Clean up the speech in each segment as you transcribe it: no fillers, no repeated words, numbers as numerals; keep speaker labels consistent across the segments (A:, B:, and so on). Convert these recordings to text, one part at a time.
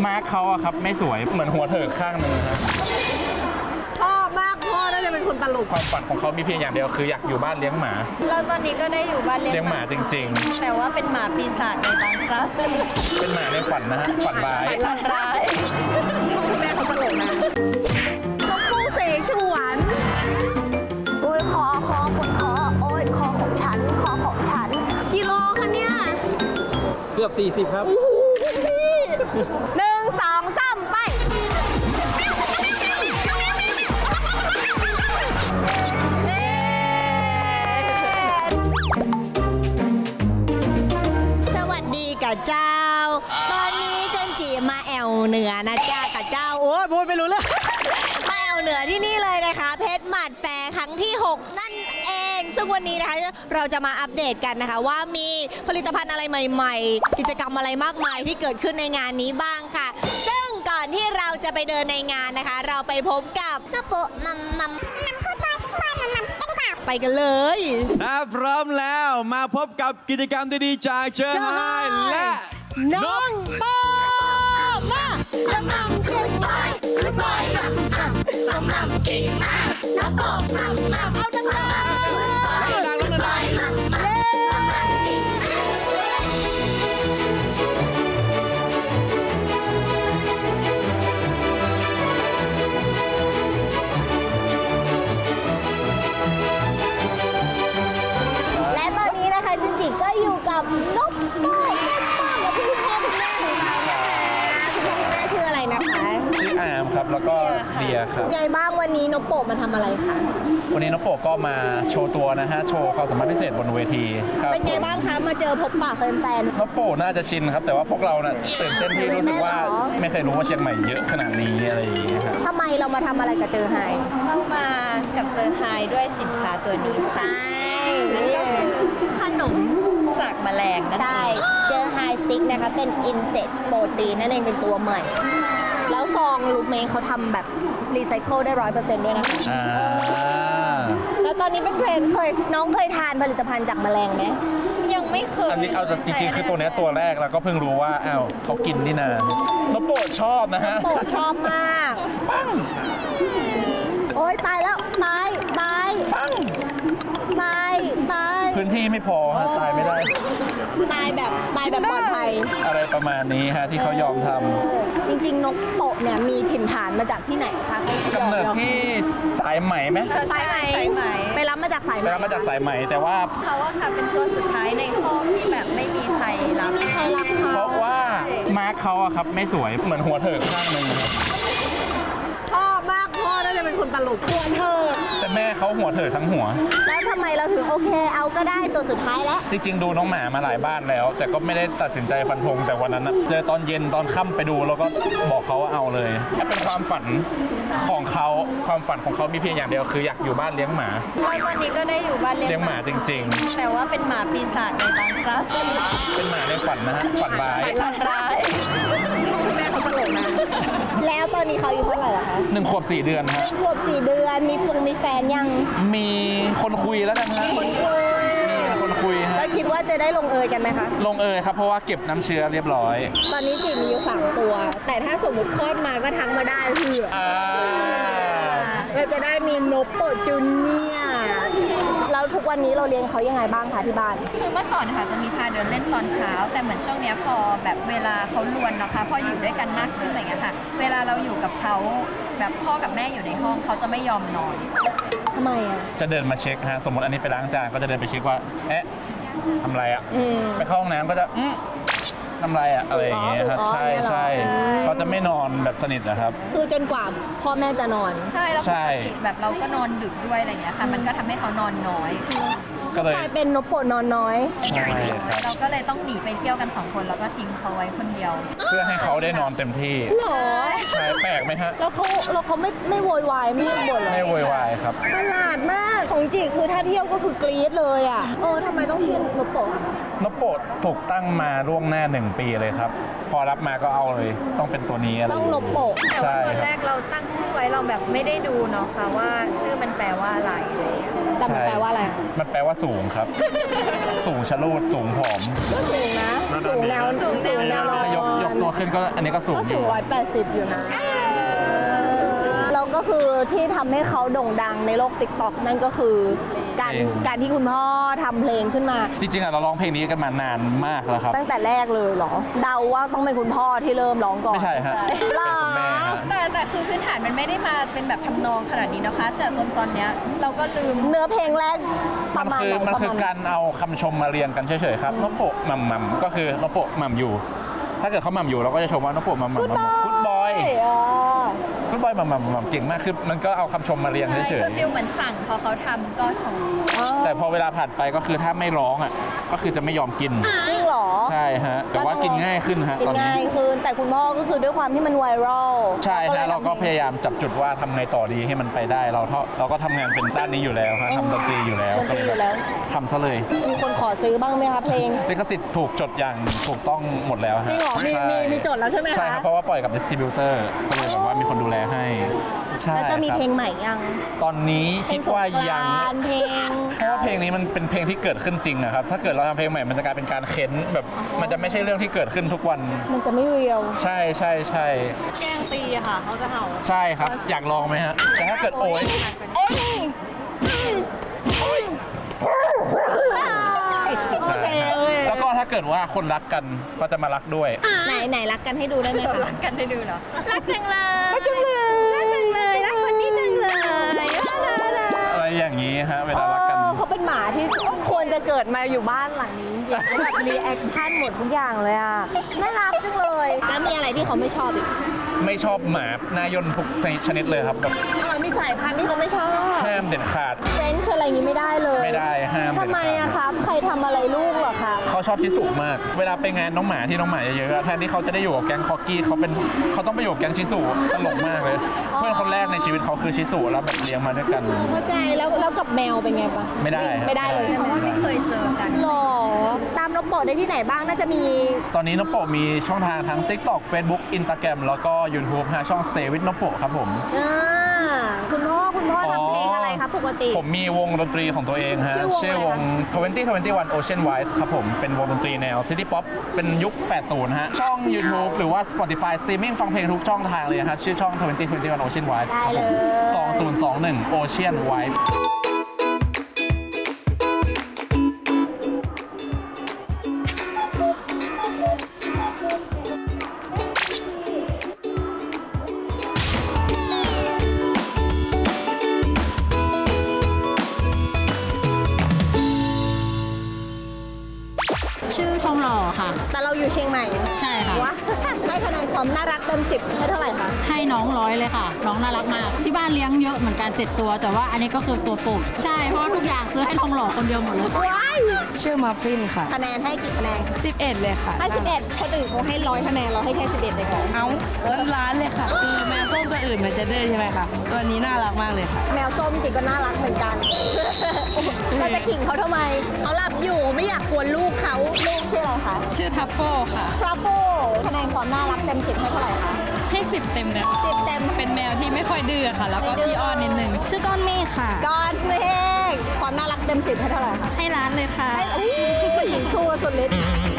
A: มาร์คเขาอะครับไม่สวยเหมือนหัวเถิกข้างหนึ่งนะฮะ
B: ชอบมากพ่อน่าจะเป็นคนตลก
A: ความฝันของเขามีเพียงอย่างเดียวคืออยากอยู่บ้านเลี้ยงหมา
C: แล้วตอนนี้ก็ได้อยู่บ้านเลี้ยง
A: หมาจริงๆ
C: แต่ว่าเป็นหมาปีศาจในบางครั้ง
A: เป็นหมาในฝันนะฮะฝันร้าย
C: ฝันร้าย
B: แม่เขาตลกนะนกปูเสฉวน
D: โอ้ยคอคุณคอโอ้ยคอของฉัน
B: กิโลคะเนี่ย
A: เกือบ40ครับ
B: 1 2 3ไป
D: สวัสดีกับเจ้าตอนนี้เจนจีมาแอวเหนือนะจ้ากับเจ้าโอ้ยพูดไม่รู้เรื่อง มาแอวเหนือที่นี่เลยนะคะเพชรหมัดแฟร์ครั้งที่ 6 นั่นเองซึ่งวันนี้นะคะเราจะมาอัปเดตกันนะคะว่ามีผลิตภัณฑ์อะไรใหม่ๆกิจกรรมอะไรมากมายที่เกิดขึ้นในงานนี้บ้างค่ะซึ่งก่อนที่เราจะไปเดินในงานนะคะเราไปพบกับน้าโปะมัมไปกันเลย
E: พร้อมแล้วมาพบกับกิจกรรมดีๆจากเจอไฮและ
B: น้องโปมาน้ำขึ้นไปขึ้นไปน้ำกิ่งมาน้ำโปเอาดังๆ
D: และตอนนี้นะคะจินจิก็อยู่กับนกโป้และพี่พ่อคุณแม่ของเรานะคะคุณพ่อคุณแม่ชื่ออะไรนะคะ
A: ชื่ออาร์มครับแล้วก็เดียครับ
D: ไงบ้างวันนี้นกโปมาทำอะไรคะ
A: วันนี้น้องโปก็มาโชว์ตัวนะฮะโชว์ความสามารถพิเศษบนเวทีครับ
D: เป็นไงบ้างคะมาเจอพบปะแฟน
A: น้องโปน่าจะชินครับแต่ว่าพวกเราน่ะตื่นเต้นที่รู้สึกว่าไม่เคยรู้ว่าเชียงใหม่เยอะขนาดนี้อะไรอย่างเงี้ยครับ
D: ๆทำไมเรามาทำอะไรกับเจอไฮ
C: เข้ามากับเจอไฮด้วยสินค้าตัวนี้ค่ะนั่นก็คือขนมจากแมลงนั่นเอง
D: ใช่เจอไฮสติ๊กนะคะเป็นอินเสตโปรตีนนั่นเองเป็นตัวใหม่แล้วซองลูกเมย์เขาทำแบบรีไซเคิลได้ 100% ด้วยนะคะแล้วตอนนี้เป็นเทรนด์น้องเคยทานผลิตภัณฑ์จากแมลงไหม
C: ยังไม่เคย
A: อันนี้เอาจริงๆคือตัวนี้ตัวแรกแล้วก็เพิ่งรู้ว่าอ้าวเขากินนี่นาน้องโปชอบนะฮะ
D: โปชอบมาก
A: ปัง
D: โอ๊ยตายแล้วตาย
A: ปัง
D: ตาย
A: พื้นที่ไม่พอฮะตายไม่ได้
D: ตายแบบปลอดภัย
A: อะไรประมาณนี้ฮะที่เขายอมทำ
D: จริงๆนกโปะเนี่ยมีถิ่นฐานมาจากที่ไหนคะ
A: กำเนิดที่สายไหมไหม
C: สายไหม
D: ไปรับมาจากสายไหม
A: แต่ว่า
C: เขาอะค่ะเป็นตัวสุดท้ายในคอกที่แบบไม่มีใครรับ
A: เพราะว่ามาร์คเขาอะครับไม่สวยเหมือนหัวเถิกข้างหนึ่งครับ
B: ชอบมากพ่อน่าจะเป็นคนตลก
D: หัวเธอ
A: แต่แม่เขาหัวเถิกทั้งหัว
D: แล้วทำไมเราถึงโอเคเอาก็ได้ตัวสุดท้ายแล้ว
A: จริงๆดูน้องหมามาหลายบ้านแล้วแต่ก็ไม่ได้ตัดสินใจฟันธงแต่วันนั้นเจอตอนเย็นตอนค่ำไปดูแล้วก็บอกเขาว่าเอาเลยแค่เป็นความฝันของเขาความฝันของเขามีเพียงอย่างเดียวคืออยากอยู่บ้านเลี้ยงหมา
C: แล้วตอนนี้ก็ได้อยู่บ้านเลี้ยง
A: หมาจริง
C: ๆแต่ว่าเป็นหมาปีศาจในบางครั้ง
A: เป็นหมาในฝันนะฮะฝันร้าย
B: แม่เขาตลกนะ
D: แล้วตอนนี้เขาอายุเท่าไหร่ล่ะคะ
A: 1 ขวบ 4 เดือนฮะ
D: 1 ขวบ 4 เดือนมีแฟนยัง
A: มีคนคุยแล้วกันฮะมีคนคุยฮะ
D: แล้วคิดว่าจะได้ลงเอยกันไหมคะ
A: ลงเอยครับเพราะว่าเก็บน้ำเชื้อเรียบร้อย
D: ตอนนี้จีมีอยู่3 ตัวแต่ถ้าสมมติคลอดมาก็ทั้งมาได้คือเราจะได้มีนกโปจูเนียแล้วทุกวันนี้เราเลี้ยงเขายังไงบ้างคะที่บ้าน
C: คือเมื่อก่อนค่ะจะมีพาเดินเล่นตอนเช้าแต่เหมือนช่วงนี้พอแบบเวลาเขาลวนนะคะพออยู่ด้วยกันมากขึ้นอะไรเงี้ยค่ะเวลาเราอยู่กับเขาแบบพ่อกับแม่อยู่ในห้องเขาจะไม่ยอมนอน
D: ทำไมอ่ะ
A: จะเดินมาเช็คฮะสมมติอันนี้ไปล้างจานก็จะเดินไปเช็คว่าเอ๊ะทำไรอ่ะไปเข้าห้องน้ำก็จะทำไรอ่ะอะไรอย่างเงี้ยครับใช่เขาจะไม่นอนแบบสนิทนะครับ
D: คือจนกว่าพ่อแม่จะนอน
C: ใช่แล้วปกติแบบเราก็นอนดึกด้วยอะไรเงี้ยค่ะมันก็ทำให้เขานอนน้อย
D: ก็กลายเป็นนกโปนอนน้อย
A: ใช่ครับ
C: เราก็เลยต้องหนีไปเที่ยวกัน2 คนแล้วก็ทิ้งเขาไว้คนเดียว
A: เพื่อให้เขาได้นอนเต็มที่
D: หรอ
A: ใช่แปลกไหมฮะ
D: แล้วเขาไม่โวยวายไม่บ่นเลย
A: ไม่โวยวายครับ
D: ตลาดมากของจีคือถ้าเที่ยวก็คือกรี๊ดเลยอ่ะทำไมต้องชื่อนกโป
A: นกโปถูกตั้งมาล่วงหน้า1 ปีเลยครับพอรับมาก็เอาเลยต้องเป็นตัวนี้อะไร
D: ต้องนกโป
C: แต่ว่าตอนแรกเราตั้งชื่อไว้เราแบบไม่ได้ดูเนาะค่ะว่าชื่อมันแปลว่าอะไร
D: แต่มันแปลว่าอะไร
A: มันแปลว่าสูงครับสูงชะลูดสูงผอม
D: ก็สูงนะสูงแนว
A: ยกตัวขึ้นก็อันนี้ก็สูง
D: ก็
A: อ
D: สู
A: ยู่
D: ง180 อยู่นะแล้วก็คือที่ทำให้เขาโด่งดังในโลก TikTok นั่นก็คือการที่คุณพ่อทำเพลงขึ้นมา
A: จริงๆอะเราร้องเพลงนี้กันมานานมากแล้วครับ
D: ตั้งแต่แรกเลยเหรอ เดาว่าต้องเป็นคุณพ่อที่เริ่มร้องก่อน
A: ไม่ใช่ฮะ
D: หรอ
A: เป็นคุณแม่ฮะ
C: แต่คือพื้นฐานมันไม่ได้มาเป็นแบบทำนองขนาดนี้นะคะ แต่ตอนเนี้ยเราก็ลืม
D: เนื้อเพลงแรกประมาณไหน
A: มัน
D: ประ
A: คือ
D: มาณ
A: การเอาคำชมมาเรียงกันเฉยๆครับนโปะหม่ำก็คือนโปะหม่ำอยู่ ถ้าเกิดเขาหม่ำอยู่เราก็จะชมว่านโปะหม่ำกุ๊ดบอย กุ๊ดบอยหม่ำเก่งมากคือมันก็เอาคำชมมาเรียง
C: ใช่
A: เฉย
C: คือฟิลเหมือนสั่งพอเขาทำก็ชม
A: ๆแต่พอเวลาผ่านไปก็คือถ้าไม่ร้องอ่ะก็คือจะไม่ยอมกิน
D: จริงเหรอ
A: ใช่ฮะแต่ว่ากินง่ายขึ้นฮะ
D: กิน
A: ตอนนี้
D: ง่ายขึ้นแต่คุณพ่อก็คือด้วยความที่มันไวรัล
A: ใช่ฮะเราก็พ
D: ย
A: ยายามจับจุดว่าทำไงต่อดีให้มันไปได้เราก็ทำงานเป็นด้านนี้อยู่แล้วฮะทำดนตรีอยู่แล้ว
D: ดน
A: ก็
D: ตรี
A: เลย
D: อยู่แล้ว
A: ทำซะเลย
D: มีคนขอซื้อบ้างไหมคะเพลง
A: ลิขสิทธิ์ถูกจดอย่างถูกต้องหมดแล้วฮะ
D: จริงเหรอมี
A: ใช่
D: มีจดแล้วใช่ไหมคะ
A: ใช่ครับเพราะว่าปล่อยกับดิสติบิวเตอร์ก็เลยแบบว่ามีคนดูแลให้ใช่
D: แล้วจะมี
A: ครับ
D: เพลงใหม่ยัง
A: ตอนนี้คิดว่ายัง
D: เพลง
A: เพราะว่าเพลงนี้มันเป็นเพลงที่เกิดขึ้นจริงนะครับถ้าเกิดเราทำเพลงใหม่มันจะกลายเป็นการเค้นแบบมันจะไม่ใช่เรื่องที่เกิดขึ้นทุกวัน
D: มันจะไม่เรียว
A: ใช่ใช่ใช่
D: แกงตีค่ะเขาจะเห่า
A: ใช่ครับอยากลองไหมฮะแต่ถ้าเกิดโอย
D: โอ้ยโอ
A: ใช่
D: เค
A: ครับ
D: โอเค
A: แล้วก็ถ้าเกิดว่าคนรักกันก็จะมารักด้วย
D: ไหนรักกันให้ดูได้ไหมคะ
C: รักกันให้ดูเหรอ รักจังเลย
D: รักจังเลย
C: รักจังเลย รักคนนี้จังเลย
A: อะไรอย่างนี้ฮะเวลารักกัน
D: เขาเป็นหมาที่ควรจะเกิดมาอยู่บ้านหลังนี้แบบรีแอคชั่นหมดทุกอย่างเลยอ่ะน่ารักจังเลยแล้วมีอะไรที่เขาไม่ชอบอีก
A: ไม่ชอบหมาหน้าย่นทุกชนิดเลยครับแบบ
D: มีสายพันธุ์ที่เขาไม่ชอบ
A: ห้ามเด็ดขาด
D: เฟรนช์อะไรอย่างนี้ไม่ได้เลย
A: ไม่ได้ห้ามเด็ดขาด
D: ทำไมอะครับ ใครทำอะไรลูกเหรอคะ
A: เขาชอบชิสุมาก เวลาไปงานน้องหมาที่น้องหมาเยอะๆแทนที่เขาจะได้อยู่กับแก๊งคอกี้เขาต้องไปอยู่กับแก๊งชิสุตลกมากเลย เพื่อนคนแรกในชีวิตเขาคือชิสุแล้วแบบเลี้ยงมาด้วยกัน
D: เข้าใจแล้วกับแมวเป็นไงปะ
A: ไม่ได้ครับ
D: ไม่ได้เลยใช่ไหม
C: เพราะว่าไม่เคยเจอกัน
D: หรอตามนกโปรดได้ที่ไหนบ้างน่าจะมี
A: ตอนนี้นโปะมีช่องทางทั้ง TikTok Facebook Instagram แล้วก็ YouTube ฮะช่อง Stay with นโปะครับผม
D: คุณพ่อทำเพลงอะไรครับปกติ
A: ผมมีวงดนตรีของตัวเองฮะ
D: ชื่อวงอะไรคะ
A: 2021 Ocean Wide ครับผมเป็นวงดนตรีแนว City Pop เป็นยุค 80 ฮะช่อง YouTube หรือว่า Spotify Streaming ฟังเพลงทุกช่องทางเลยฮะชื่อช่อง 2021 Ocean Wide
D: ได้เลย
A: 2021 Ocean Wide
F: ชื่อทองหล่อค่ะ
D: แต่เราอยู่เชียงใหม่
F: ใช่ค่ะ
D: วะ ให้คะแนนความน่ารักเต็ม10ให้เท่าไหร่คะ
F: ให้น้อง100เลยค่ะ น้องน่ารักมาก ที่บ้านเลี้ยงเยอะเหมือนกัน7ตัวแต่ว่าอันนี้ก็คือตัวโปรดใช่เพราะว่าทุกอย่างซื้อให้ทองหล่อคนเดียวหมดเลย
D: ว้าย
G: ชื่อมัฟฟินค่ะ
D: คะแนนให้กี่คะแนน
G: 11 เลยค่ะ
D: ให้11คนอื่นเขาให้100คะแนนเราให้แค่11เลยก่อน
G: เอ้าล้านเลยค่ะ คือแมวส้มตัวอื่นมันจะดื้อใช่ไหมคะ ตัวนี้น่ารักมากเลยค่ะ
D: แมวส้มจริงก็น่ารักเหมือนกัน เราจะขิงเขาทำไม เขาหลับอยู่ไม่อยากกวนลูกเขาลูกชื่ออะไรคะ
G: ชื่อทัฟโก้ค่ะ
D: ฟราโฟคะแนนความน่ารักเต็ม10ให้เท่าไหร่คะ
G: ให้ 10 เต็มเลย
D: 10เต็ม
G: เป็นแมวที่ไม่ค่อยดื้อค่ะ แล้วก็ขี้อ้อนนิดนึง ชื่อก้อนเมฆค่ะ
D: ก้อนเมฆความน่ารักเต็ม10ให้เท่าไหร่คะ
G: ให้ร้านเลยค่ะ
D: ผู้หญิงสู้สุดฤทธิ์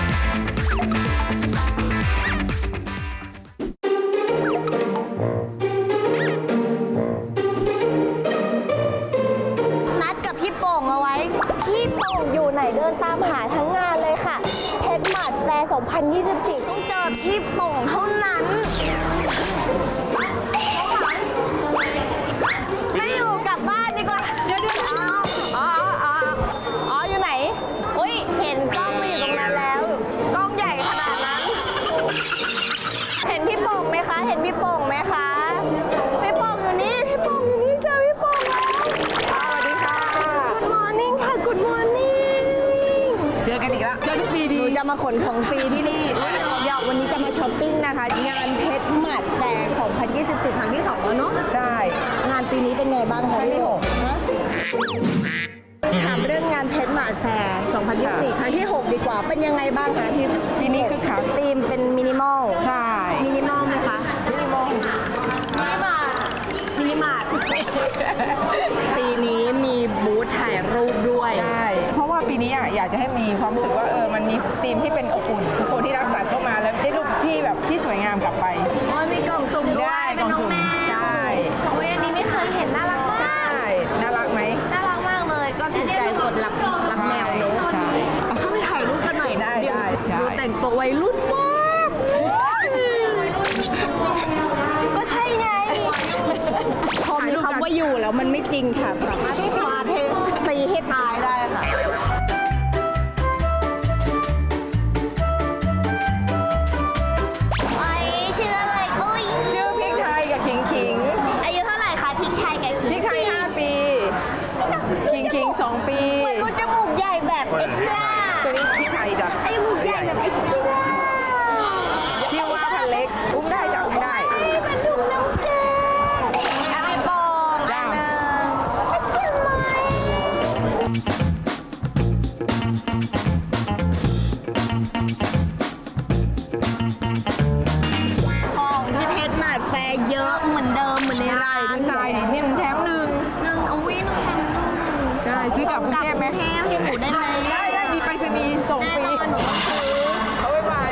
D: นัดกับพี่โป่งเอาไว้ พี่โป่งอยู่ไหนเดินตามหาทั้งงานเลยค่ะเพชรหมัดแฟร์2024 ต้องเจอพี่โป่งเท่านั้น ไม่อยู่กลับบ้านดีกว่าเดี๋ยวอ๋ออยู่ไหนอุ้ยเห็นกล้องมาอยู่ตรงนั้นแล้ว กล้องใหญ่ขนาดนั้น เห็นพี่โป่งไหมคะ เห็นพี่โป่งไหมคะ พี่โป่งอยู่นี่ พี่โป่งอยู่นี่เจอพี่โป่งแล้วสวัสดีค่ะ Good morning ค่ะ Good morning
G: เจอกันอีกแล้ว เจอทุกปี
D: ห
G: ดี
D: นูจะมาขนของฟรีที่นี่เดี๋ยววันนี้จะมาช้อปปิ้งนะคะ งานเพชรหมัดแฟร์2024 ครั้งที่ 2 แล้วเนาะ
G: ใช่
D: งานปีนี้เป็นไงบ้างคะพี่โป่งฮะถามเรื่องงานเพชรหมาดแฟร์ 2024 ครั้งที่ 6 ดีกว่า เป็นยังไงบ้างคะพี่
G: ปีนี้คึกคัก
D: ธีมเป็นมินิมอล
G: ใช่
D: มินิมอลไหมคะ
G: มินิมอล
D: มินิมาร์ท ปีนี้มีบูธถ่ายรูปด้วย
H: ใช่ เพราะว่าปีนี้อยากจะให้มีความรู้สึกว่ามันมีธีมที่เป็นอบอุ่นทุกคนที่รักสัตว์เข้ามาแล้วได้รูปที่แบบพิ
G: ลับไป
D: โอ้ยมีกล่องสุ่มด้วย
G: ได้
D: เป็นน้องแมว
G: ใช่
D: โอ้ยอันนี้ไม่เคยเห็นน่ารักมาก
G: ใช่น่ารักไหม
D: น่ารักมากเลย ก็ถูกใจคนรักแมวเนอะ
G: ใช่
D: เอาเข้าไปถ่ายรูปกันหน่อย
G: ได้
D: เดี๋ยว
G: ได้ได้
D: ดูแต่งตัววัยรุ่นมากก็ใช่ไงพอมีคำว่าอยู่แล้วมันไม่จริงค่ะ สามารถฟาดให้ตีให้ตายได้ค่ะไอ้ชื่ออะไรอุ้ย
G: ชื่อพริกไทยกับขิงขิง
D: อายุเท่าไหร่คะพริกไทยกับ
G: พริกไทย5 ปีขิงขิง2 ปี
D: เหมือนมันจมูกใหญ่แบบเอ็กซ์ตร้า
G: ตัวนี้พริกไทยจ้ะ
D: ไอ้จมูกใหญ่แบบเอ็กซ์ตร้า
G: ชื่อว่าพันเล็กอุ้มได้จับไม่ได้
D: เป็นถุงน้ำแกงเอาไปปองอันหนึ่งใช่ไหมของที่เพชรมาดแฟร์เยอะเหมือนเดิมเหมือนในร้าน
G: ดูทรายดินี่มันแถมหนึ่ง
D: หนึ่งเอาวิหนึ่งแถมหนึ่ง
G: ใช่ซื้อกลับกรุงเทพไหม
D: กรุงเทพให้หนูได้ไหม
G: ได้มีไปรษณีย์ส่ง
D: แน่
G: ฟรี
D: นอนหนูต้องซื้อ
G: เอาไว้ไป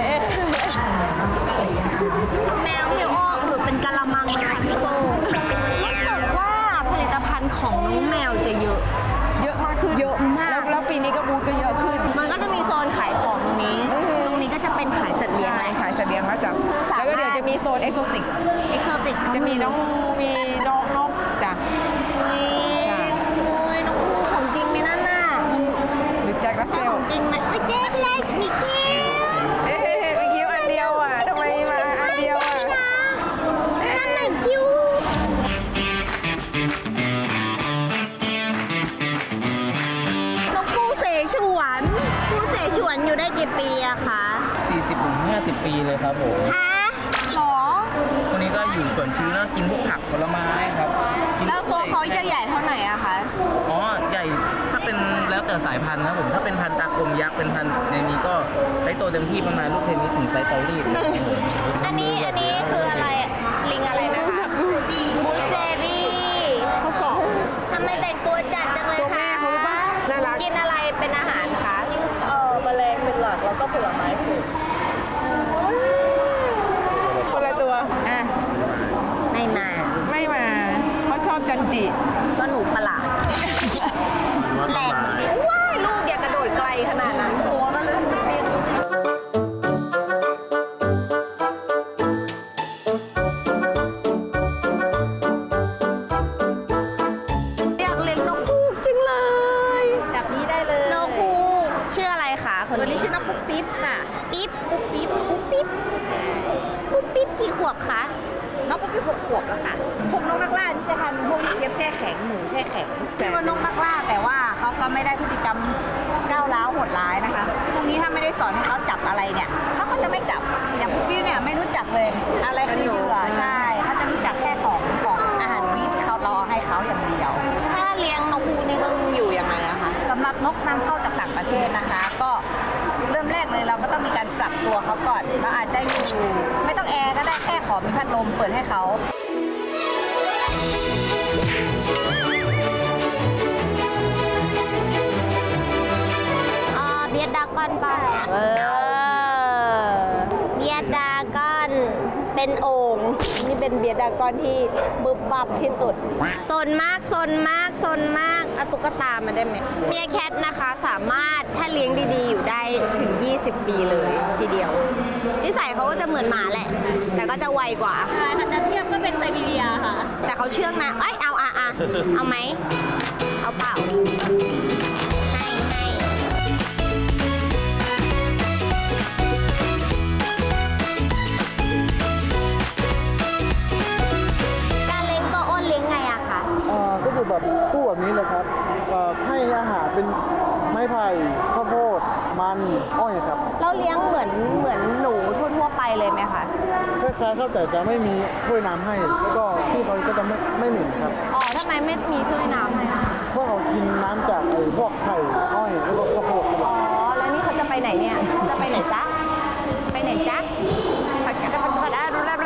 D: แมวพี่อ้อเป็นกะละมังเลยค่ะพี่โบรู้สึกว่าผลิตภัณฑ์ของน้องแมวจะเยอะ
G: เยอะมากขึ้น
D: เยอะมาก
G: แล้วปีนี้ก็บูธก็เยอะขึ้น
D: มันก็จะมีโซนขายของตรงนี้ ตรงนี้ก็จะเป็นขายสัตว์เลี้ยง
G: ใช่ขายเสบียงแล้วจ้ะ
D: คือสามารถ
G: แล้วก็เดี๋ยวจะมีโซนเอ็กโซติก
D: เอ็กโซติก
G: จะมีน้องนกจ้ะ
D: โอ้ยน้องคู่ของจริงไหมนั่นน่ะ
G: หรือแจ็ครัสเซ
D: แต่
G: ล
D: ของจริงไหมโอ้ยเจ๊เล็กมีคิ้ว
G: เอ๊ะมีคิ้วอันเดียวอ่ะทำไมมาอันเดียวอ่ะ
D: นั่นไหนคิ้วน้องคู่เสฉวนคู่เสฉวนอยู่ได้กี่ปีอะคะ
H: 40-50 ปีเลยครับผม
D: ฮะหรอ
H: ตัวนี้ก็อยู่ส่วนชื้นแล้วกินพวกผักผลไม้ครับกิน
D: แล้วตัวเขาจะใหญ่เท่าไหร่อะคะ
H: อ๋อ ใหญ่ ถ้าเป็นแล้วแต่สายพันธุ์ครับผม ถ้าเป็นพันธุ์ตากลมยักษ์เป็นพันธุ์ในนี้ก็ไซส์โตเต็มที่ประมาณลูกเทนนิสถึงไซส์เตารีดครับผม
D: อันนี้คืออะไรอะลิงอะไรนะคะบูสเบบี้
G: เขาเกาะ
D: ทำไมแต่งตัวจัดจังเลย
G: ตัวแม่
D: คะ
G: เขารู้ปะน่ารัก
D: กินอะไรเป็นอาหารคะ
G: แมลงเป็นหลักแล้วก็ผลไม้สุกคนละตัวอ่ะ
D: ไม่มา
G: ไม่มาเขาชอบจันจิ
D: ก็หนูประหลาดแหลกว้ายลูกอย่ากระโดดไกลขนาดนั้น ตัวก็เลยเรียกอยากเลี้ยงนกฮูกจริงเลย
C: จับนี้ได้เลย
D: นกฮูกชื่ออะไรคะคน
C: ตัวนี้
D: นี้
C: ชื่อน้องปุ๊บปิ๊บค่ะ
D: ปิ๊บปุ๊บปิ๊บปุ๊บปิ๊บปุ๊บปิ๊บกี่ขวบคะ
C: น้องปุ๊บปิ๊บ6 ขวบแล้วค่ะ พวกนกนักล่าที่จะทำพวกเจี๊ยบแช่แข็งหมูแช่แข็งชื่อว่านกนักล่าแต่ว่าเขาก็ไม่ได้พฤติกรรมก้าวร้าวโหดร้ายนะคะ พวกนี้ถ้าไม่ได้สอนให้เขาจับอะไรเนี่ยเขาก็จะไม่จับ อย่างปุ๊บปิ๊บเนี่ยไม่รู้จักเลย อะไรคือเหยื่อใช่ เขาจะรู้จักแค่ของอาหารฟรีที่เขารอให้เขาอย่างเดียว
D: ถ้าเลี้ยงนกฮูกนี่ต้องอยู่ยังไงอะคะ
C: สำหรับนกนำเข้าจากต่างประเทศนะคะ ก็เริ่มแรกเลยเราก็ต้องมีการปรับตัวเขาก่อนเราอาจจะอยู่ไม่ต้องแอร์ก็ได้แค่ขอมีพัดลมเปิดให้เขา
D: เบียดดากอนป่ะเบียดดากอนเป็นโอ่งนี่เป็นเบียดดากอนที่บึบบับที่สุดซนมากซนมากซนมากเอาตุ๊กตามาได้ไหมเมียแคทนะคะสามารถถ้าเลี้ยงดีๆอยู่ได้ถึง 20 ปีเลยทีเดียวนิสัยเขาก็จะเหมือนหมาแหละ แต่ก็จะไวกว่า
F: ใช่ถ้าจะเทียบก็เป็นไซบีเรียค่ะ
D: แต่เขาเชื่องนะเอ้ยเอาเอาไหมเอาเปล่าให้การเลี้ยงตัวอ้นเลี้ยงไงอะคะ
I: ก็อยู่แบบตู้แบบนี้เลยครับให้อาหารเป็นไม้ไผ่ข้าวโพดมันอ้อยครับ
D: เราเลี้ยงเหมือนหนูทั่วๆไปเลยไหมคะ
I: คล้ายๆครับแต่จะไม่มีถ้วยน้ำให้ แล้วก็ที่เขาก็จะไม่เหม็นครับ
D: อ๋อทำไมไม่มีถ้วยน้ำให้อะ
I: เพราะเขากินน้ำจากพวกไข่อ้อยแล้วก็ข้าวโพดครับ
D: อ๋อ แล้วนี่เขาจะไปไหนเนี่ย จะไปไหนจ๊ะ ไปไหนจ๊ะผัดกันได้ผัดได้รู้แล้ว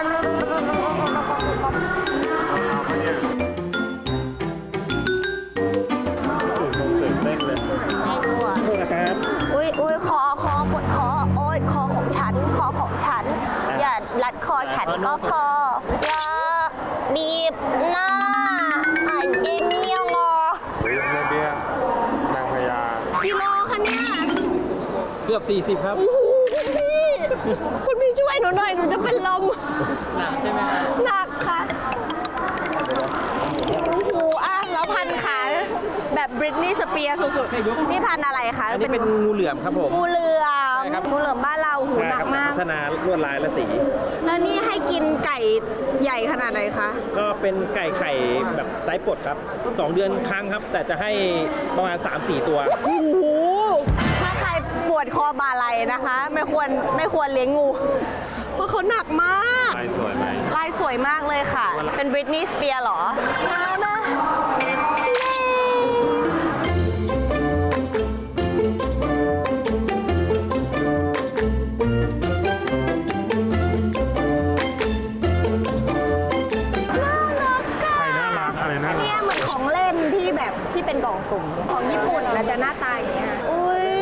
D: ไม่กลัวอุ้ยคอปวดคอโอ้ยคอของฉัน อย่ารัดคอฉันก็พออย่าบีบหน้าเย็นเยี่ยงอ
I: ในเบียร์นางพญา
D: กิโลคะเนี่ย
H: เกือบ 40 ครับ
D: คุณพี่ช่วยหนูหน่อย หนูจะเป็นลม
H: หนักใช่ไหมครับ
D: หนักค่ะโอ้โหอ่ะแล้วพันขาแบบบริตนี่สเปียร์สุดๆ นี่พันอะไรคะ
H: อันนี้เป็นงูเหลือมครับผม
D: งูเหลือม
H: ใช่ครับ
D: งูเหลือมบ้านเราหูหนักมาก
H: พัฒนาลวดลายและสี
D: แล้วนี่ให้กินไก่ใหญ่ขนาดไหนคะ
H: ก็เป็นไก่ไข่แบบไซส์ปลดครับ 2 เดือนครั้งครับ แต่จะให้ประมาณ 3-4 ตัว
D: โอ้โหถ้าใครปวดคอบ่าไหล่นะคะ ไม่ควรเลี้ยงงู เพราะเขาหนักมาก
E: ลายสวยไหม
D: ลายสวยมากเลยค่ะ เป็นบริตนีย์สเปียร์เหรอมาเชีย
E: น่ารักอะไรน่ารัก
D: เนี่ยเหมือนของเล่นที่แบบที่เป็นกล่องสุ่มของญี่ปุ่นนะจะหน้าตาอย่างเงี้ย อุ้ย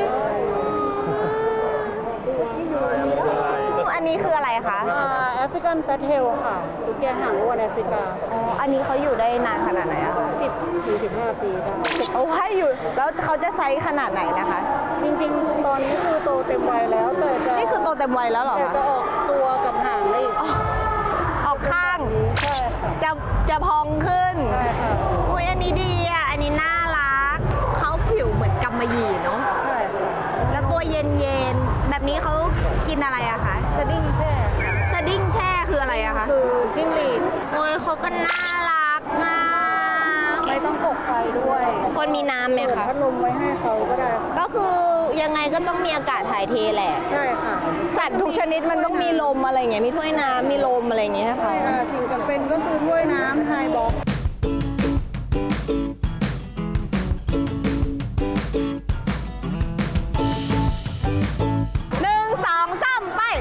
D: อันนี้คืออะไรคะ
C: แอฟริกันแฟตเทลค่ะตุ๊กแกหางอ้วนแอฟริกา
D: อ๋อ อันนี้เขาอยู่ได้นานขนาดไหนอะคะ
C: 10 ถึง 15 ปีค่ะ
D: เอาให้อยู่ แล้วเขาจะไซส์ขนาดไหนนะคะ
C: จริงๆ ตอนนี้คือโตเต็มวัยแล้ว แต่จะ
D: นี่คือโตเต็มวัยแล้วเหรอ
C: แต่
D: คะ
C: จะออกตัวกับหางได้อีก
D: ออกข้าง
C: ใช่ค่ะ
D: จะพองขึ้น
C: ใช่ค่ะ
D: อุ้ยอันนี้ดีอ่ะ อันนี้น่ารัก เขาผิวเหมือนกำมะหยี่เนาะ
C: ใช่ค่ะ
D: แล้วตัวเย็นๆ แบบนี้เขากินอะไรอะคะ
C: สดิ้งแช่ค่ะ
D: สดิ้งแช่คืออะไรอะคะ
C: คือจิ้งหรีด
D: โอ้ยเขาก็น่ารักมาก
C: ไม่ต้องกดไฟด้วย
D: คนมีน้ำไหม
C: เปิด
D: คะ
C: พัดลมไว้ให้เขาก็ได้ค่ะ
D: ก็คือยังไงก็ต้องมีอากาศถ่ายเทแหละ
C: ใช่ค่ะ
D: สัตว์ทุกชนิดมันต้องมีลมอะไรอย่างเงี้ย มีถ้วยน้ำมีลมอะไรอย่างเงี้ยให้
C: ใช่
D: เขา
C: ค่ะ สิ่งจำเป็นก็คือถ้วยน้ำไฮบ็อก
D: 1 2 3 ไป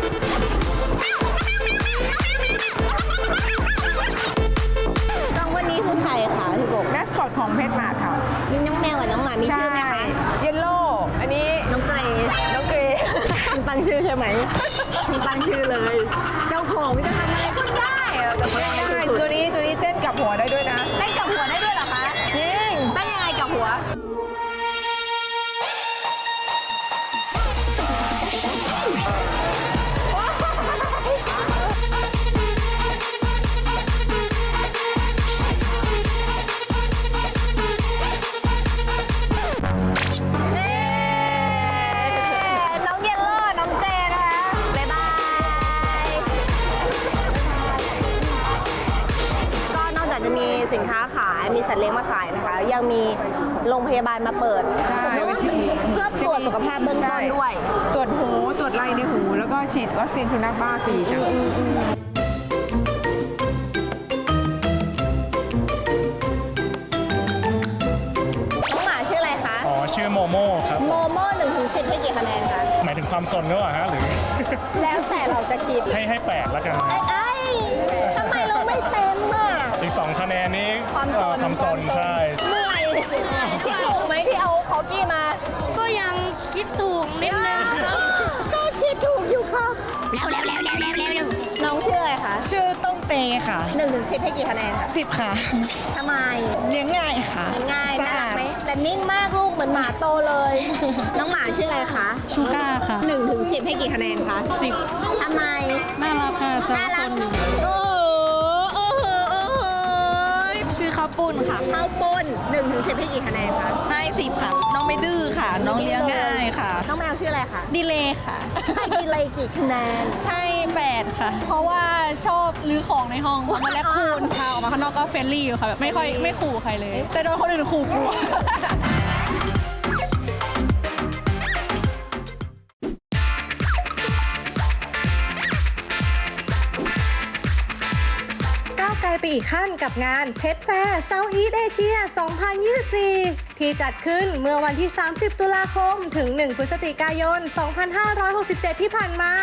D: น้องคนนี้คือใครคะพี่บก
C: แมสคอตของเพชรมาค่ะ
D: มีน้องแมวกับน้องหมา มีชื่อไหมคะ
C: เยลโล่อันนี้
D: น้องเกรย์
C: น้องเกรย์
D: คุณตั้งชื่อใช่ไหมคุณตั้งชื่อเลย เจ้าของมันจะทำอะไรก็ได้อะแต่ว่า
C: ใช่
D: สุด
C: ตัวนี้เต้นกับหัวได้ด้วยนะ
D: ๆเต้นกับหัวได้ด้วยเหรอคะ
C: จริง
D: เต้นยังไงกับหัว น้องเยลโล่น้องเจนะคะ บ๊ายบาย ก็นอกจากจะมีสินค้าขาย มีสัตว์เลี้ยงมาขายนะคะ ยังมีโรงพยาบาลมาเปิด
C: ใช่
D: เพื่อตรวจสุขภาพเบื้องต้นด้วย
C: ตรวจหู ตรวจไรในหู แล้วก็ฉีดวัคซีนสุนัขบ้าฟรีจ้ะ
D: น้องหมาชื่ออะไรคะ
E: อ๋อ ชื่อโมโม่ครับ
D: โมโม่1 ถึง 10ให้กี่คะแนนคะ
E: หมายถึงความสนหรือเปล่าฮะหรือ
D: แล้วแต่เราจะคิด
E: ให้8แล้วกัน
D: ไอ้ทำไมเราไม่เต็มอ่ะ
E: อีก 2 คะแนนนี้
D: ความสน
E: ใช่
D: เหนื่อยคิดถูกไหมที่เอาคอกี้มา
B: ก็ยังคิดถูกนิดนึงครับ
D: ก็คิดถูกอยู่ครับ
B: เร็ว
D: น้องชื่ออะไรคะ
J: ชื่อต้องเตค่ะ
D: 1 ถึง 10ให้กี่คะแนนคะ
J: 10 ค่ะ
D: ทำไม
J: เลี้ยงง่ายค่ะ
D: ง่าย
J: สะ
D: น่ารั
J: อาก ด
D: ไหมแต่นิ่งมากลูกเหมือนหมาโตเลย น้องหมาชื่ออะไรคะ
F: ชูก้าค่ะ
D: 1 ถึง 10ให้กี่คะแนนคะ
F: 10
D: ทำไม
F: น่ารักค่ะสารสน
D: โอ้โหโอ้โหโอ้โห
J: ชื่อข้าวปุ้นค่ะ
D: ข้าวปุ้น1 ถึง 10ให้กี่คะแนนคะ
J: ให้10 ค่ะ น้องไม่ดื้อค่ะ น้องเลี้ยงง่ายค่ะ
D: น้องแมวชื่ออะไรคะ
J: ดีเลย์ค่ะ
D: ให้กี่เลยกี่คะแนน
F: ให้ 8 ค่ะ เพราะว่าชอบรื้อของในห้องมันแลกคูนพาออกมาข้างนอกก็เฟรนลี่อยู่ค่ะแบบไม่ขู่ใครเลย แต่โดนคนอื่นขู่กลัว
K: ก้าวไกลไปอีกขั้นกับงานเพชรแฟร์เซาท์อีสต์เอเชีย 2024 ที่จัดขึ้นเมื่อวันที่ 30 ตุลาคม ถึง 1 พฤศจิกายน 2567 ที่ผ่านมา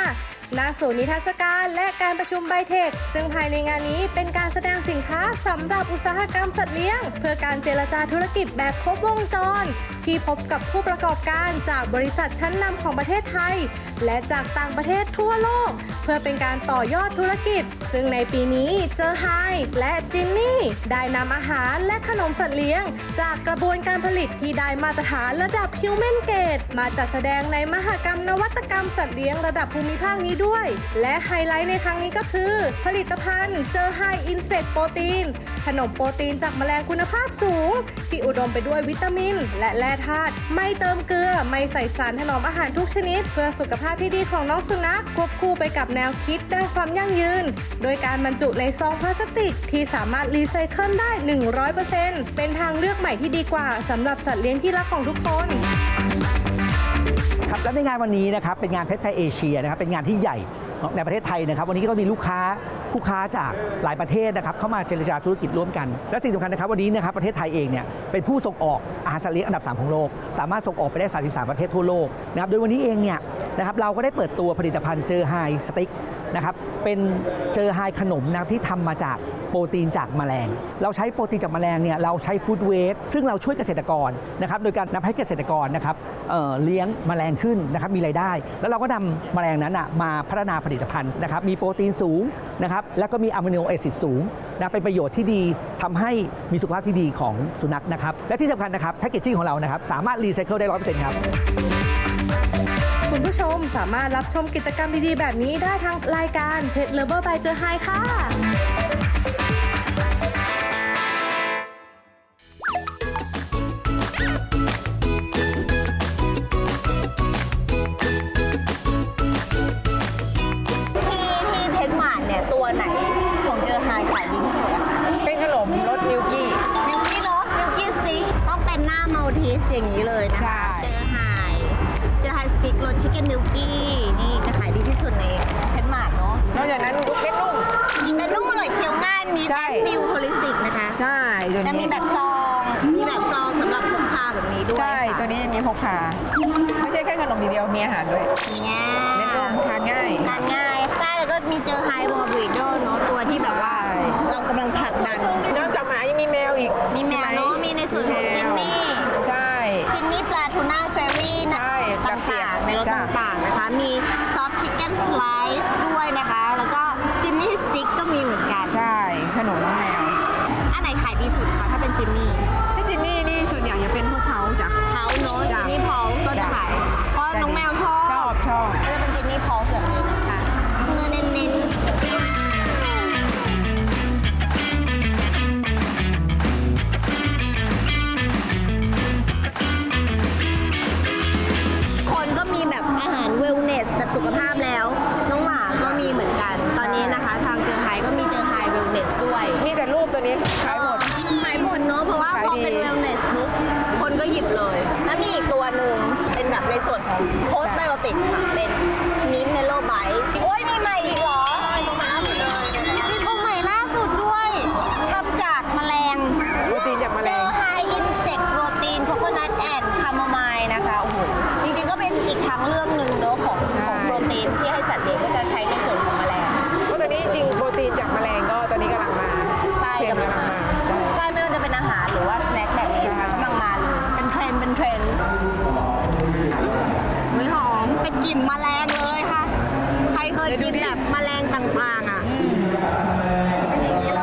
K: ณศูนย์นิทรรศการและการประชุมไบเทค ซึ่งภายในงานนี้เป็นการแสดงสินค้าสำหรับอุตสาหกรรมสัตว์เลี้ยง เพื่อการเจรจาธุรกิจแบบครบวงจร ที่พบกับผู้ประกอบการจากบริษัทชั้นนำของประเทศไทย และจากต่างประเทศทั่วโลก เพื่อเป็นการต่อยอดธุรกิจ ซึ่งในปีนี้เจอไฮและจินนี่ได้นำอาหารและขนมสัตว์เลี้ยง จากกระบวนการผลิตที่ได้มาตรฐานระดับ Human Grade มาจัดแสดงในมหกรรมนวัตกรรมสัตว์เลี้ยงระดับภูมิภาคนี้ด้วย และไฮไลท์ในครั้งนี้ก็คือ ผลิตภัณฑ์เจอไฮอินเสกโปรตีนขนมโปรตีนจากแมลงคุณภาพสูง ที่อุดมไปด้วยวิตามิน และแร่ธาตุไม่เติมเกลือไม่ใส่สารถนอมอาหารทุกชนิด เพื่อสุขภาพที่ดีของน้องสุนัขควบคู่ไปกับแนวคิดด้านความยั่งยืน โดยการบรรจุในซองพลาสติกที่สามารถรีไซเคิลได้ 100% เป็นทางเลือกใหม่ที่ดีกว่าสำหรับสัตว์เลี้ยงที่รักของทุกคน
L: ครับและในงานวันนี้นะครับเป็นงานเพชรแฟร์เอเชียนะครับเป็นงานที่ใหญ่ในประเทศไทยนะครับวันนี้ก็มีลูกค้าจากหลายประเทศนะครับเข้ามาเจรจาธุรกิจร่วมกันและสิ่งสำคัญนะครับวันนี้นะครับประเทศไทยเองเนี่ยเป็นผู้ส่งออกอาหารสัตว์เลี้ยงอันดับ 3 ของโลกสามารถส่งออกไปได้33ประเทศทั่วโลกนะครับโดยวันนี้เองเนี่ยนะครับเราก็ได้เปิดตัวผลิตภัณฑ์เจอไฮสติ๊กนะครับเป็นเจอไฮขนมนะที่ทำมาจากโปรตีนจากแมลงเราใช้โปรตีนจากแมลงเนี่ยเราใช้ฟู้ดเวสต์ซึ่งเราช่วยเกษตรกรนะครับโดยการนำให้เกษตรกรนะครับเลี้ยงแมลงขึ้นนะครับมีรายได้แล้วเราก็นำแมลงนั้นมาพัฒนาผลิตภัณฑ์นะครับมีโปรตีนสูงนะครับแล้วก็มีอะมิโนแอซิดสูงนะเป็นประโยชน์ที่ดีทำให้มีสุขภาพที่ดีของสุนัขนะครับและที่สำคัญนะครับแพคเกจจิ้งของเรานะครับสามารถรีไซเคิลได้ 100% ครับ
K: คุณผู้ชมสามารถรับชมกิจกรรมดีๆแบบนี้ได้ทางรายการ Pet Lover by เจอไฮค่ะ
D: ที่เพชรหมาดเนี่ยตัวไหนของเจอไฮขายดีที่สุดอะคะ
C: เป็นขนมรสมิลกี้
D: มิลกี้เนาะมิลกี้สติ๊กต้องเป็นหน้ามัลทิสอย่างนี้เลยนะคะเจอไฮสติ๊กรสชิคเก้นมิลกี้นี่จะขายดีที่สุดในเพชรหมาดเนาะ
C: นอกจากนั้นลูกเป็นนุ่ม
D: เป็นนุ่มอร่อยเคี้ยวง่ายมี
C: ใช่
D: แอสมิลโฮลิสติกนะคะ
C: ใช่ตัว
D: จะมี
C: นี้
D: แบบซองสำหรับพกพาแบบนี้ด้วย
C: ใช่
D: ค่ะ
C: ตัวนี้จะมีพกพาไม่ใช่แค่ขนมอย่างเดียวมีอาหารด้วย
D: เนี่ย
C: เม็ดรวมทานง่าย
D: ทานง่ายใช่แล้วก็มีเจอไฮวอลบรีเดอร์เนาะตัวที่แบบว่า
C: ใช่
D: เรากำลังผลักดัน
C: นอกจากหมายังมีแมวอีก
D: มีแมวเนาะมีในส่วนของจินนี่
C: ใช่
D: จินนี่ปลาทูน่าเกรวี่นะ
C: ใช่
D: ต่างๆในรส
C: จ้ะ
D: ต่างๆนะคะ มีซอฟต์ชิคเก้นสไลซ์ด้วยนะคะ แล้วก็จินนี่สติ๊กก็มีเหมือนกัน
C: ใช่ขนมน้องแมว
D: อันไหนขายดีสุดคะถ้าเป็นจินนี่
C: ที่จินนี่นี่ส่วนใหญ่จะเป็นพวกเขาจ้ะ
D: เผาเนาะ
C: จ้ะ
D: จินนี่เผาก็จะขายเพราะน้องแมวชอบ
C: ชอบ
D: ก็จะเป็นจินนี่เผาแบบนี้นะคะเนื้อเน้นๆคนก็มีแบบอาหารเวลเนสแบบสุขภาพแล้ว น้องหมาก็มีเหมือนกัน ตอนนี้นะคะ ทางเจอไฮก็มีเจอไฮเวลเนสด้วย
C: มีแต่รูปตัวนี้ขายหมด
D: ขายหมดเนาะเพราะว่า
C: ขาย
D: พอ
C: ดี
D: เป็นเวลเนสปุ๊บคนก็หยิบเลย แล้วมีอีกตัวหนึ่งเป็นแบบในส่วนของโพสไบโอติกค่ะ เป็นมินเมโลไบต์โอ้ยมีใหม่อีกเหรอมีตัวใหม่ล่าสุดด้วยทำจากแมลง
C: โปรตีนจากแมล
D: เจอง ไฮอินเสกโปรตีนโคโคนัทแอนด์คาโมไมล์นะคะโอ้โหจริงๆก็เป็นอีกทางเรื่องหนึ่งเนาะของโปรตีนที่ให้สัตว์เลี้ยงก็จะใช้ในส่วนของแมลง
C: เพราะตอนนี้จริงโปรตีนจากแมลงก็ตอนนี้กำลังมา
D: ใช่กำลังมา
C: ใช่
D: ใช่ไม่ว่าจะเป็นอาหารหรือว่าสแน็คแบบนี้นะคะกำลังมาเลยเป็นเทรนด์อุ๊ยหอมเป็นกลิ่นแมลงเลยค่ะ ใครเคยกินแบบแมลงต่างๆอ่ะเป็นอย่างนี้เลย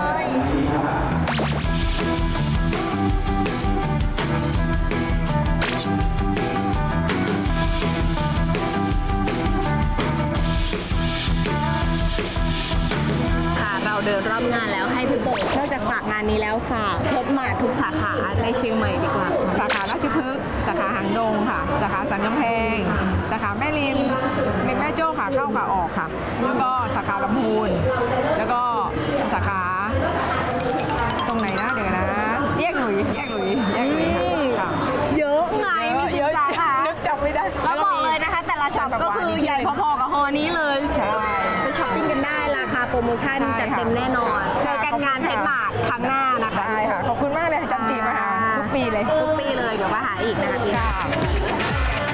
D: ค่ะเราเดินรอบงานแล้วให้พี่โบนอกจากฝากงานนี้แล้วฝากเพชรหมาทุกสาขาในเชียงใหม่ดีกว่า
C: สาขาราชพฤกษ์สาขาหางดงค่ะ สาขาสันกำแพง สาขาแม่ริมแม่โจ้ขาเข้าขาออกค่ะ แล้วก็สาขาลำพูน แล้วก็สาขาตรงไหนนะเดี๋ยวนะแยกหลุยค่ะ
D: เยอะไงมีสิบสาขา
C: นึกจำไม่ได้
D: แล้วบอกเลยนะคะ แต่ละช็อปก็คือใหญ่พอๆกับฮอนี้เลย
C: ใช่
D: ไปช้อปปิ้งกันได้ราคาโปรโมชั่นจัดเต็มแน่นอน เจอกันงานเพชรหมาดครั้งหน้านะคะ
C: ได้ค่ะ ขอบคุณมากเลยค่ะจันจีมาหาทุกปีเลย
D: ทุกปีเลยเดี๋ยวมาหาอีกนะคะพี่
C: ค่ะ
D: น้อง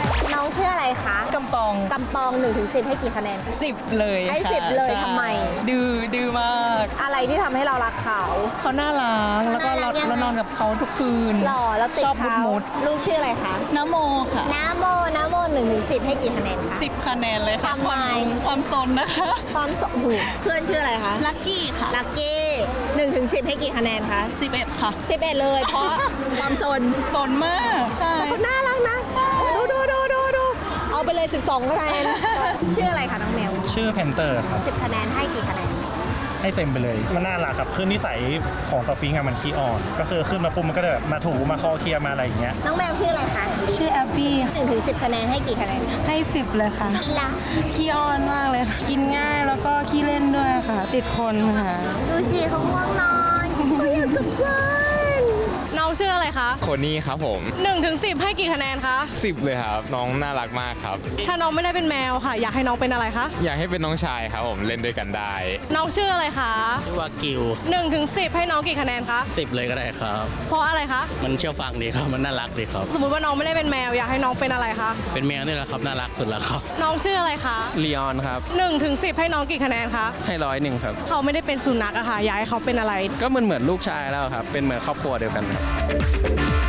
D: องชื่ออะไรคะ
J: กำปอง
D: กำปอง1 ถึง 10ให้กี่คะแนน
J: 10 เลย
D: ให้
J: ค่ะ
D: 10เลย
J: ใช่
D: ทำไม
J: ดื้อมาก
D: อะไรที่ทำให้เรารักเขา
J: เขาน่ารักแล้วก็
D: น่ารักยังไง
J: เรานอนกับเขาทุกคืน
D: หล่อแล้วติด
J: ชอบ
D: เขา
J: มุด
D: ลูกชื่ออะไรคะ
J: น้ำโมค่ะ
D: น้ำโม1 ถึง 10ให้กี่คะแนนคะ
J: 10 คะแนนเลยค่ะ
D: ทำไม
J: ความซนนะคะ
D: ความสหูเพื่อนชื่ออะไรคะ
J: ลักกี้ค่ะ
D: ลักกี้1 ถึง 10ให้กี่คะแนนคะ
J: 11 ค่ะ
D: 11เลยเพราะความสน
J: ซนมากใช่
D: แต่เขาน่ารักนะดูเอาไปเลย12คะแนนชื่ออะไรคะน้องเมล
I: ชื่อเพนเตอร์ครับ
D: 10 คะแนนให้กี่คะแนน
I: ให้เต็มไปเลย มันน่ารักครับคือนิสัยของสฟิงค์อะมันขี้อ่อน ก็คือขึ้นมาปุ๊บมันก็จะแบบมาถูมาคอเคลียร์มาอะไรอย่างเงี้ย
D: น้องแมวชื่ออะไรคะ
G: ชื่อแอบบี้
D: 1 ถึง 10 คะแนนให้กี่คะแนน
G: ให้ 10 เลยค่ะ
D: ล่ะ
G: ขี้อ้อนมากเลย กินง่ายแล้วก็ขี้เล่นด้วยค่ะ ติดคนค่ะ
D: ดูสิเขาง่วงนอนเขาอยากกลับบ้าน
F: น้องชื่ออะไรคะ
M: คนนี้ครับผม
F: 1 ถึง 10ให้กี่คะแนนคะ
M: 10 เลยครับ น้องน่ารักมากครับ
F: ถ้าน้องไม่ได้เป็นแมวค่ะ อยากให้น้องเป็นอะไรคะ
M: อยากให้เป็นน้องชายครับผมเล่นด้วยกันได้
F: น้องชื่ออะไรคะ
H: ชื่อว่ากิว
F: 1 ถึง 10ให้น้องกี่คะแนนคะ
H: 10 เลยก็ได้ครับ
F: เพราะอะไรคะ
H: มันเชื่อฟังดีครับ มันน่ารักดีครับ
F: สมมติว่าน้องไม่ได้เป็นแมวอยากให้น้องเป็นอะไรคะ
H: เป็นแมวนี่แหละครับ น่ารักสุดแล้วครับ
F: น้องชื่ออะไรคะ
H: ลีออนครับ
F: 1 ถึง 10ให้น้องกี่คะแนนคะ
H: ให้101ครับ
F: เขาไม่ได้เป็นสุนัขอะค่ะอยากให้เขาเป็นอะไร
H: ก็เหมือนลูกชายแล้วครับ เป็นเหมือนครอบครัวเดียวกันครับ